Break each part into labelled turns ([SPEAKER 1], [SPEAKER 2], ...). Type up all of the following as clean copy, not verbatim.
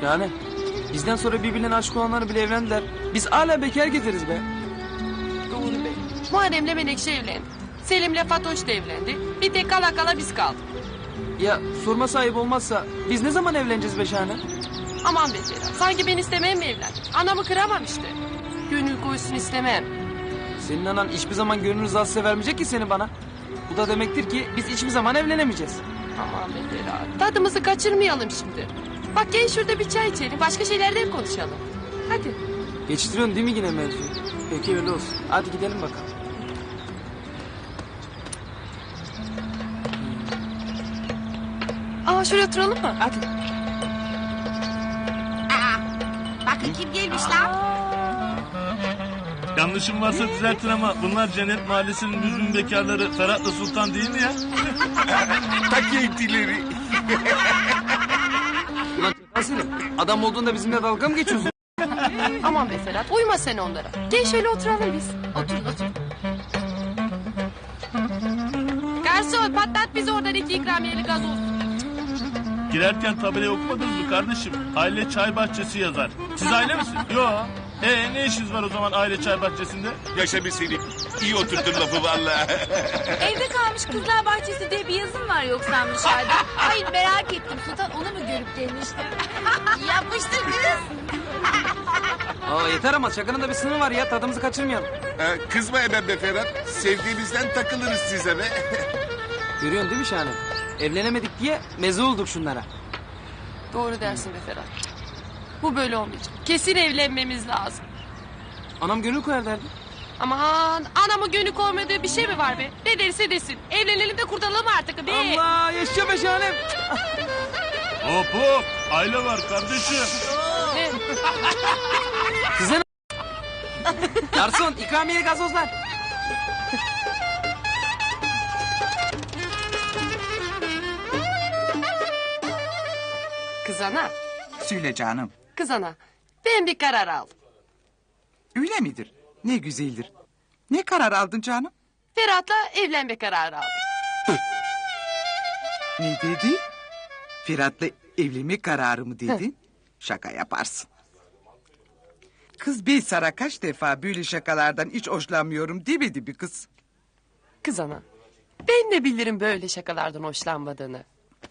[SPEAKER 1] Yani bizden sonra birbirine aşık olanlar bile evlendiler. Biz hala bekar getiririz be.
[SPEAKER 2] Doğru be. Muharrem'le Menekşe evlendi. Selim'le Fatoş da evlendi. Bir tek kala kala biz kaldık.
[SPEAKER 1] Ya sorma sahip olmazsa biz ne zaman evleneceğiz be Şahane?
[SPEAKER 2] Aman be Ferhat. Sanki ben istemem mi evlendim? Anamı kıramam işte. Gönül koysun istemem.
[SPEAKER 1] Senin anan hiçbir zaman gönül rızası vermeyecek ki seni bana. Bu da demektir ki biz hiçbir zaman evlenemeyeceğiz.
[SPEAKER 2] Aman be Ferhat. Tadımızı kaçırmayalım şimdi. Bak gel şurada bir çay içelim. Başka şeylerden konuşalım. Hadi.
[SPEAKER 1] Geçiştiriyorsun değil mi yine mevzuyu? Peki öyle olsun. Hadi gidelim bakalım.
[SPEAKER 2] Aa şuraya oturalım mı?
[SPEAKER 1] Hadi.
[SPEAKER 3] Bakın kim gelmiş lan?
[SPEAKER 4] Yanlışım varsa düzeltin ama bunlar Cennet Mahallesi'nin düzgün bekarları Ferhat'la Sultan değil mi ya?
[SPEAKER 5] Tak yentileri.
[SPEAKER 1] Ulan Selim, adam olduğunda bizimle dalga mı geçiyorsun?
[SPEAKER 2] Aman be Ferhat uyma sen onlara. Gel şöyle oturalım biz.
[SPEAKER 3] Oturun oturun.
[SPEAKER 2] Garson patlat bize oradan 2 ikramiyeli gazoz.
[SPEAKER 4] Girerken tabelayı okumadınız mı kardeşim? Aile çay bahçesi yazar. Siz aile misiniz? Yo. Ne işiniz var o zaman aile çay bahçesinde?
[SPEAKER 5] Yaşa be Selim. İyi oturttun lafı valla.
[SPEAKER 3] Evde kalmış kızlar bahçesi diye bir yazım var yoksa dışarıda. Hayır merak ettim Sultan onu mu görüp gelmiştim. Yapmıştır kız.
[SPEAKER 1] Aa yeter ama şakanın da bir sınırı var ya, tadımızı kaçırmayalım.
[SPEAKER 5] Kızma hemen be Ferhat. Sevdiğimizden takılırız size be.
[SPEAKER 1] Görüyorsun değil mi Şahane? Evlenemedik diye meze olduk şunlara.
[SPEAKER 2] Doğru dersin be Ferhat. Bu böyle olmayacak. Kesin evlenmemiz lazım.
[SPEAKER 1] Anam gönül koyar derdi.
[SPEAKER 2] Aman anamın gönlü koymadığı bir şey mi var be? Ne derse desin. Evlenelim de kurtulalım artık be.
[SPEAKER 1] Allah yaşa be Şahanem.
[SPEAKER 4] Hop hop. Aile var kardeşim.
[SPEAKER 2] Ne?
[SPEAKER 1] Size ne? Garson ikramiye gazozlar.
[SPEAKER 2] Kız ana,
[SPEAKER 6] Söyle canım.
[SPEAKER 2] kız ana. Ben bir karar aldım.
[SPEAKER 6] Öyle midir? Ne güzeldir. Ne karar aldın canım?
[SPEAKER 2] Ferhat'la evlenme kararı aldım.
[SPEAKER 6] Ne dedi? Ferhat'la evlenme kararı mı dedin? Şaka yaparsın. Kız ben sana kaç defa böyle şakalardan hiç hoşlanmıyorum demedi bir kız.
[SPEAKER 2] Kız ana, ben de bilirim böyle şakalardan hoşlanmadığını.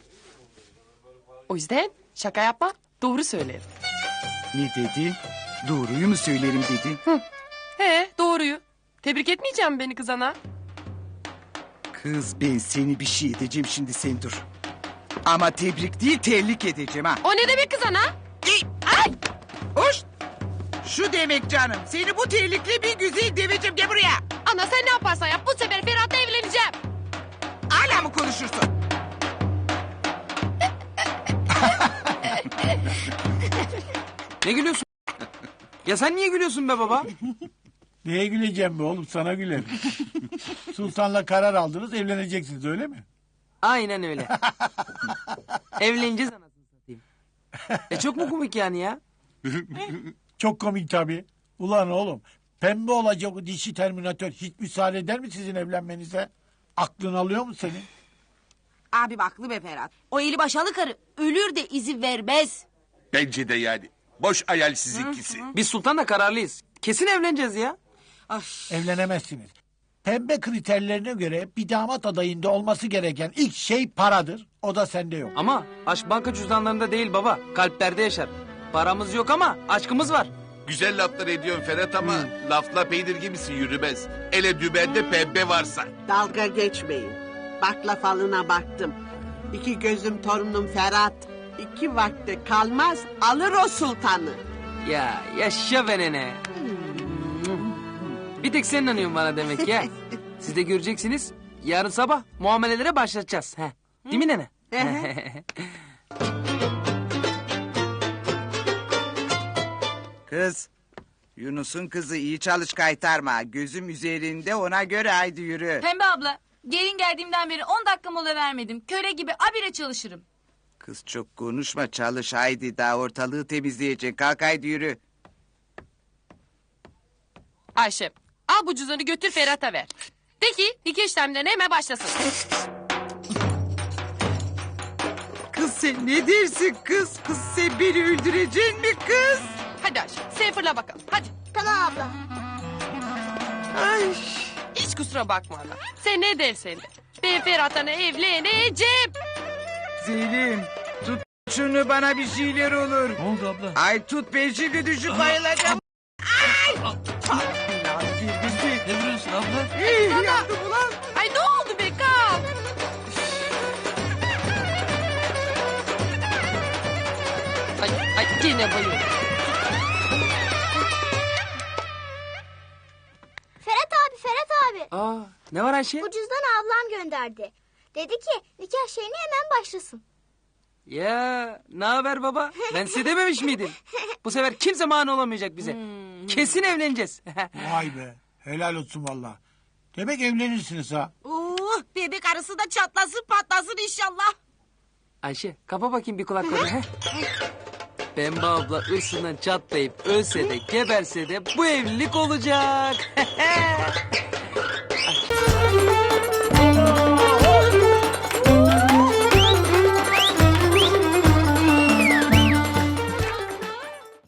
[SPEAKER 2] O yüzden şaka yapma, doğru söylerim.
[SPEAKER 6] Ne dedi? Doğruyu mu söylerim dedi?
[SPEAKER 2] He, doğruyu. Tebrik etmeyeceğim beni kız ana.
[SPEAKER 6] Kız ben seni bir şey edeceğim şimdi sen dur. Ama tebrik değil terlik edeceğim ha.
[SPEAKER 2] O ne demek kız ana?
[SPEAKER 6] Ay! Hoş! Şu demek canım. Seni bu terlikle bir güzel deveceğim. Gel buraya.
[SPEAKER 2] Ana sen ne yaparsan yap, bu sefer Ferhat'la evleneceğim.
[SPEAKER 6] Hala mı konuşursun?
[SPEAKER 1] Ne gülüyorsun? Ya sen niye gülüyorsun be baba?
[SPEAKER 7] Neye güleceğim be oğlum sana gülerim. Sultan'la karar aldınız evleneceksiniz öyle mi?
[SPEAKER 1] Aynen öyle. Evleneceğiz anasını satayım. Çok mu komik yani ya?
[SPEAKER 7] Çok komik tabii. Ulan oğlum pembe olacak o dişi terminatör hiç müsaade eder mi sizin evlenmenize? Aklın alıyor mu senin?
[SPEAKER 3] Abi haklı be Ferhat. O eli başalı karı ölür de izin vermez.
[SPEAKER 5] Bence de yani. Boş hayal sizinkisi.
[SPEAKER 1] Biz Sultan'la kararlıyız. Kesin evleneceğiz ya.
[SPEAKER 7] Evlenemezsiniz. Pembe kriterlerine göre bir damat adayında olması gereken ilk şey paradır. O da sende yok.
[SPEAKER 1] Ama aşk banka cüzdanlarında değil baba. Kalplerde yaşar. Paramız yok ama aşkımız var.
[SPEAKER 5] Güzel laflar ediyorsun Ferhat ama lafla peynir gibisi yürümez. Ele dübende pembe varsa.
[SPEAKER 8] Dalga geçmeyin. Bakla falına baktım. İki gözüm torunum Ferhat. 2 vakte kalmaz alır o sultanı.
[SPEAKER 1] Ya yaşa be nene. Bir tek sen inanıyorsun bana demek ya. Siz de göreceksiniz. Yarın sabah muamelelere başlatacağız. He. Değil mi nene?
[SPEAKER 6] Kız. Yunus'un kızı iyi çalış kaytarma. Gözüm üzerinde ona göre haydi yürü.
[SPEAKER 3] Pembe abla gelin geldiğimden beri 10 dakika mola vermedim. Köle gibi abire çalışırım.
[SPEAKER 6] Kız çok konuşma çalış haydi. Daha ortalığı temizleyeceksin. Kalk haydi yürü.
[SPEAKER 2] Ayşe, al bu cüzdanı götür Ferhat'a ver. De ki nikah işlemlerine hemen başlasın.
[SPEAKER 6] Kız Sen ne dersin kız? Kız sen beni öldüreceksin mi kız?
[SPEAKER 2] Hadi Ayşe sen fırla bakalım hadi.
[SPEAKER 3] Tamam abla.
[SPEAKER 6] Ay.
[SPEAKER 2] Hiç kusura bakma ana. Sen ne dersen de. Ben Ferhat'la evleneceğim.
[SPEAKER 6] Zeynep tut şunu bana bir şeyler olur.
[SPEAKER 4] Ne oldu abla?
[SPEAKER 6] Ay tut ben şimdi düşüp bayılacağım. Ay. Lan bir.
[SPEAKER 4] Ne vuruyorsun abla?
[SPEAKER 6] Yandım ulan.
[SPEAKER 2] Ay ne oldu be kalk. Ay gene bayıldım.
[SPEAKER 3] Ferhat abi.
[SPEAKER 1] Aa, ne var Ayşe?
[SPEAKER 3] Bu cüzdanı ablam gönderdi. Dedi ki nikah şeyine hemen başlasın.
[SPEAKER 1] Ya ne haber baba? Ben size dememiş miydim? Bu sefer kimse mani olamayacak bize. Kesin evleneceğiz.
[SPEAKER 7] Vay be. Helal olsun valla. Demek evlenirsiniz ha.
[SPEAKER 9] Bebek arısı da çatlasın patlasın inşallah.
[SPEAKER 1] Ayşe kapa bakayım bir kulaklarını. He? Pembe abla ırsından çatlayıp ölse de geberse de bu evlilik olacak.